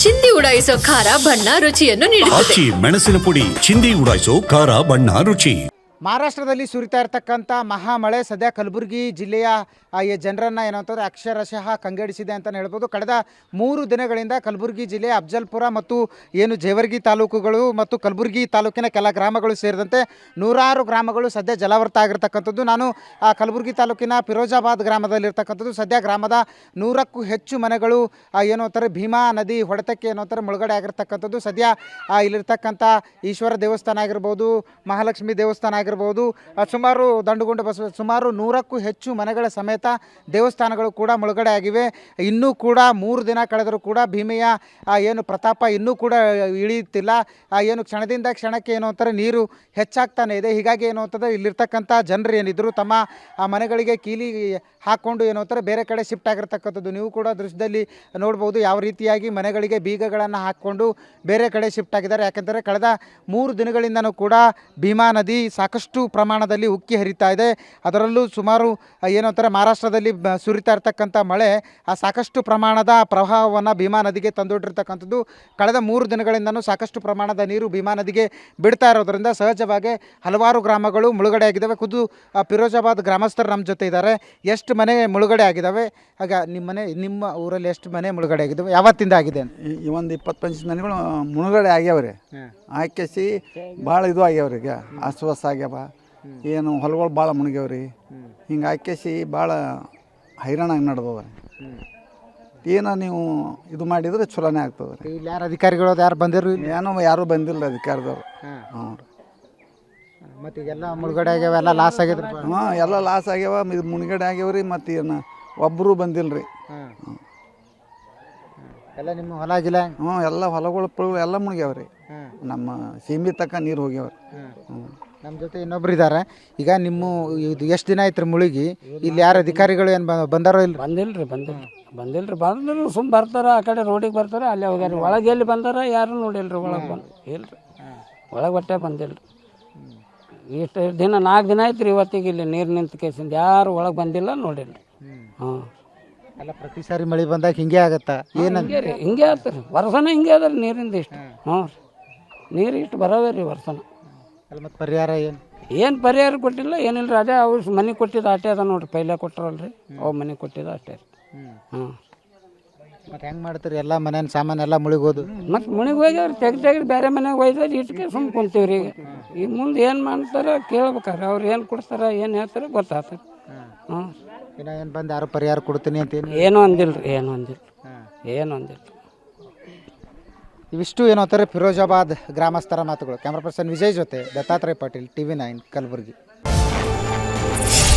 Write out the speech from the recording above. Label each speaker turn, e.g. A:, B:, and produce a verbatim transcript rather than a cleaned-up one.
A: ಚಿಂದಿ ಉಡಾಯಿಸೋ ಖಾರ ಬಣ್ಣ ರುಚಿಯನ್ನು ನೀಡುತ್ತದೆ.
B: ಮೆಣಸಿನ ಪುಡಿ ಚಿಂದಿ ಉಡಾಯಿಸೋ ಖಾರ ಬಣ್ಣ ರುಚಿ.
C: ಮಹಾರಾಷ್ಟ್ರದಲ್ಲಿ ಸುರಿತಾ ಇರ್ತಕ್ಕಂಥ ಮಹಾಮಳೆ ಸದ್ಯ ಕಲಬುರಗಿ ಜಿಲ್ಲೆಯ ಈ ಜನರನ್ನು ಏನಂತಂದರೆ ಅಕ್ಷರಶಃ ಕಂಗೆಡಿಸಿದೆ ಅಂತಲೇ ಹೇಳ್ಬೋದು. ಕಳೆದ ಮೂರು ದಿನಗಳಿಂದ ಕಲಬುರಗಿ ಜಿಲ್ಲೆಯ ಅಫ್ಜಲ್ಪುರ ಮತ್ತು ಏನು ಜೇವರ್ಗಿ ತಾಲೂಕುಗಳು ಮತ್ತು ಕಲಬುರಗಿ ತಾಲೂಕಿನ ಕೆಲ ಗ್ರಾಮಗಳು ಸೇರಿದಂತೆ ನೂರಾರು ಗ್ರಾಮಗಳು ಸದ್ಯ ಜಲಾವೃತ ಆಗಿರ್ತಕ್ಕಂಥದ್ದು. ನಾನು ಆ ಕಲಬುರಗಿ ತಾಲೂಕಿನ ಫಿರೋಜಾಬಾದ್ ಗ್ರಾಮದಲ್ಲಿರ್ತಕ್ಕಂಥದ್ದು. ಸದ್ಯ ಗ್ರಾಮದ ನೂರಕ್ಕೂ ಹೆಚ್ಚು ಮನೆಗಳು ಏನು ಅಂತಾರೆ ಭೀಮಾ ನದಿ ಹೊಡೆತಕ್ಕೆ ಏನೋ ಅಂತಾರೆ ಮುಳುಗಡೆ ಆಗಿರ್ತಕ್ಕಂಥದ್ದು. ಸದ್ಯ ಇಲ್ಲಿರ್ತಕ್ಕಂಥ ಈಶ್ವರ ದೇವಸ್ಥಾನ ಆಗಿರ್ಬೋದು, ಮಹಾಲಕ್ಷ್ಮಿ ದೇವಸ್ಥಾನ ಆಗಿರ್ಬೋದು, ಸುಮಾರು ದಂಡುಗುಂಡ ಬಸವ ಸುಮಾರು ನೂರಕ್ಕೂ ಹೆಚ್ಚು ಮನೆಗಳ ಸಮೇತ ದೇವಸ್ಥಾನಗಳು ಕೂಡ ಮುಳುಗಡೆ ಆಗಿವೆ. ಇನ್ನೂ ಕೂಡ ಮೂರು ದಿನ ಕಳೆದರೂ ಕೂಡ ಭೀಮೆಯ ಏನು ಪ್ರತಾಪ ಇನ್ನೂ ಕೂಡ ಇಳಿಯುತ್ತಿಲ್ಲ. ಏನು ಕ್ಷಣದಿಂದ ಕ್ಷಣಕ್ಕೆ ಏನು ಅಂತಾರೆ ನೀರು ಹೆಚ್ಚಾಗ್ತಾನೆ ಇದೆ. ಹೀಗಾಗಿ ಏನು ಅಂತಂದರೆ ಇಲ್ಲಿರ್ತಕ್ಕಂಥ ಜನರು ಏನಿದ್ರು ತಮ್ಮ ಆ ಮನೆಗಳಿಗೆ ಕೀಲಿ ಹಾಕ್ಕೊಂಡು ಏನು ಅಂತಾರೆ ಬೇರೆ ಕಡೆ ಶಿಫ್ಟ್ ಆಗಿರ್ತಕ್ಕಂಥದ್ದು. ನೀವು ಕೂಡ ದೃಶ್ಯದಲ್ಲಿ ನೋಡ್ಬೋದು ಯಾವ ರೀತಿಯಾಗಿ ಮನೆಗಳಿಗೆ ಬೀಗಗಳನ್ನು ಹಾಕ್ಕೊಂಡು ಬೇರೆ ಕಡೆ ಶಿಫ್ಟ್ ಆಗಿದ್ದಾರೆ. ಯಾಕೆಂದರೆ ಕಳೆದ ಮೂರು ದಿನಗಳಿಂದನೂ ಕೂಡ ಭೀಮಾ ನದಿ ಸಾಕಷ್ಟು ಪ್ರಮಾಣದಲ್ಲಿ ಉಕ್ಕಿ ಹರಿತಾ ಇದೆ. ಅದರಲ್ಲೂ ಸುಮಾರು ಏನು ಅಂತಾರೆ ಮಹಾರಾಷ್ಟ್ರದಲ್ಲಿ ಸುರಿತಾ ಇರ್ತಕ್ಕಂಥ ಮಳೆ ಆ ಸಾಕಷ್ಟು ಪ್ರಮಾಣದ ಪ್ರವಾಹವನ್ನು ಭೀಮಾ ನದಿಗೆ ತಂದೊಡ್ಡಿರ್ತಕ್ಕಂಥದ್ದು. ಕಳೆದ ಮೂರು ದಿನಗಳಿಂದನೂ ಸಾಕಷ್ಟು ಪ್ರಮಾಣದ ನೀರು ಭೀಮಾ ನದಿಗೆ ಬಿಡ್ತಾ ಇರೋದರಿಂದ ಸಹಜವಾಗಿ ಹಲವಾರು ಗ್ರಾಮಗಳು ಮುಳುಗಡೆ ಆಗಿದ್ದಾವೆ. ಖುದ್ದು ಫಿರೋಜಾಬಾದ್ ಗ್ರಾಮಸ್ಥರು ನಮ್ಮ ಜೊತೆ ಇದ್ದಾರೆ. ಎಷ್ಟು ಮನೆ ಮುಳುಗಡೆ ಆಗಿದ್ದಾವೆ? ಆಗ ನಿಮ್ಮ ಮನೆ ನಿಮ್ಮ ಊರಲ್ಲಿ ಎಷ್ಟು ಮನೆ ಮುಳುಗಡೆ ಆಗಿದ್ದಾವೆ? ಯಾವತ್ತಿಂದ ಆಗಿದೆ ಅಂತ?
D: ಈ ಒಂದು ಇಪ್ಪತ್ತು ಪಂಚ ಮನೆಗಳು ಮುಳುಗಡೆ ಆಗ್ಯಾವ್ರಿ. ಆಕೆಸಿ ಭಾಳ ಇದು ಆಗ್ಯಾವ್ರಿ. ಈಗ ಅಸ್ವಸ್ಥ ಆಗ್ಯಾವ, ಏನು ಹೊಲಗಳು ಭಾಳ ಮುಳುಗ್ಯಾವ್ರಿ. ಹಿಂಗೆ ಆಕೆಸಿ ಭಾಳ ಹೈರಾಣಾಗಿ ನಡೆದವ. ಏನೋ ನೀವು ಇದು ಮಾಡಿದ್ರೆ ಚಲೋನೇ ಆಗ್ತದೆ ರೀ.
C: ಇಲ್ಲಿ ಯಾರು ಅಧಿಕಾರಿಗಳು ಯಾರು ಬಂದಿರು?
D: ಏನೋ ಯಾರೂ ಬಂದಿಲ್ಲ ಅಧಿಕಾರದವ್ರು. ಹ್ಞೂ ರೀ.
C: ಮತ್ತು ಈಗೆಲ್ಲ ಮುಳುಗಡೆ ಆಗ್ಯಾವ, ಎಲ್ಲ ಲಾಸ್ ಆಗಿದ್ರು.
D: ಹಾಂ, ಎಲ್ಲ ಲಾಸ್ ಆಗ್ಯಾವ, ಇದು ಮುಳುಗಡೆ ಆಗ್ಯಾವ್ರಿ. ಮತ್ತು ಏನು ಒಬ್ಬರು ಬಂದಿಲ್ಲ ರೀ.
C: ಹ್ಞೂ ಎಲ್ಲ ನಿಮ್ಮ ಹೊಲ ಗಿಲ?
D: ಹ್ಞೂ, ಎಲ್ಲ ಹೊಲಗಳು ಪುಳಗಳು ಎಲ್ಲ ಮುಳುಗ್ಯಾವ್ರಿ. ನಮ್ಮ ಸೀಮಿ ತಕ್ಕ ನೀರು ಹೋಗ್ಯಾವ್ರಿ. ಹ್ಞೂ.
C: ನಮ್ಮ ಜೊತೆ ಇನ್ನೊಬ್ರು ಇದ್ದಾರೆ. ಈಗ ನಿಮ್ಮ ಇದು ಎಷ್ಟು ದಿನ ಆಯ್ತು ರೀ ಮುಳುಗಿ? ಇಲ್ಲಿ ಯಾರು ಅಧಿಕಾರಿಗಳು ಏನು ಬಂದಾರೋ ಇಲ್ಲ?
E: ಬಂದಿಲ್ಲ ರೀ ಬಂದಿಲ್ಲ ಬಂದಿಲ್ಲ ರೀ ಬಂದ್ರು ಸುಮ್ಮ ಬರ್ತಾರೆ, ಆ ಕಡೆ ರೋಡಿಗೆ ಬರ್ತಾರೆ, ಅಲ್ಲೇ ಹೋಗ್ಯಾರ. ಒಳಗೆ ಎಲ್ಲಿ ಬಂದಾರ ಯಾರು ನೋಡಿಲ್ಲ ರೀ. ಒಳಗೆ ಬಂದು ಇಲ್ಲ ರೀ, ಒಳಗೆ ಒಟ್ಟೆ ಬಂದಿಲ್ಲ ರೀ. ಇಷ್ಟು ದಿನ ನಾಲ್ಕು ದಿನ ಆಯ್ತು ರೀ ಇವತ್ತಿಗೆ ಇಲ್ಲಿ ನೀರು ನಿಂತ ಕೇಸಿಂದ ಯಾರು ಒಳಗೆ ಬಂದಿಲ್ಲ ನೋಡಿಲ್ಲ ರೀ. ಹಾಂ,
C: ಅಲ್ಲ ಪ್ರತಿ ಸಾರಿ ಮಳೆ ಬಂದಾಗ ಹಿಂಗೆ ಆಗತ್ತಾ? ಏನು
E: ಹಿಂಗೆ ರೀ, ಹಿಂಗೆ ಆಗ್ತದೆ ರೀ. ವರ್ಷನ ಹಿಂಗೆ ಅದ ರೀ ನೀರಿಂದ ಇಷ್ಟು. ಹ್ಞೂ ರೀ, ನೀರು ಇಷ್ಟು ಬರೋವೇ ರೀ ವರ್ಷನ.
C: ಅಲ್ಲ ಮತ್ತು ಪರಿಹಾರ ಏನು?
E: ಏನು ಪರಿಹಾರ ಕೊಟ್ಟಿಲ್ಲ, ಏನಿಲ್ಲ ರೀ. ಅದೇ ಅವ್ರು ಮನೆ ಕೊಟ್ಟಿದ್ದು ಅಷ್ಟೇ ಅದ ನೋಡಿರಿ. ಪೈಲೆ ಕೊಟ್ಟರಲ್ಲ ರೀ, ಅವು ಮನೆ ಕೊಟ್ಟಿದ್ದು ಅಷ್ಟೇ ರೀ. ಹ್ಞೂ,
C: ಮತ್ತು ಹೆಂಗೆ ಮಾಡ್ತೀರಿ? ಎಲ್ಲ ಮನೇನ ಸಾಮಾನು ಎಲ್ಲ ಮುಳುಗೋದು.
E: ಮತ್ತು ಮುಣಿಗೆ ಹೋಗ್ಯಾವ್ರಿ, ತೆಗ್ದು ತೆಗ್ದು ಬೇರೆ ಮನೆಗೆ ಒಯ್ದಾರೆ. ಇಟ್ಕೆ ಸುಮ್ಮ ಕುಂತೀವಿ ರೀ. ಈಗ ಈಗ ಮುಂದೆ ಏನು ಮಾಡ್ತಾರೆ ಕೇಳ್ಬೇಕಾರೆ ಅವ್ರು ಏನು ಕೊಡ್ತಾರೆ ಏನು ಹೇಳ್ತಾರೆ ಗೊತ್ತಾಗ್ತಾರೆ. ಹ್ಞೂ,
C: ಇನ್ನು ಏನು ಬಂದು ಯಾರು ಪರಿಹಾರ ಕೊಡ್ತೀನಿ ಅಂತೇನು
E: ಏನೂ ಅಂದಿಲ್ಲ ರೀ, ಏನೂ ಅಂದಿಲ್ಲ, ಏನೂ ಅಂದಿಲ್ಲ.
C: ಇವಿಷ್ಟು ಏನೋ ಅಂತಾರೆ ಫಿರೋಜಾಬಾದ್ ಗ್ರಾಮಸ್ಥರ ಮಾತುಗಳು. ಕ್ಯಾಮ್ರಾ ಪರ್ಸನ್ ವಿಜಯ್ ಜೊತೆ Dattatreya Patil, T V nine, Kalaburagi.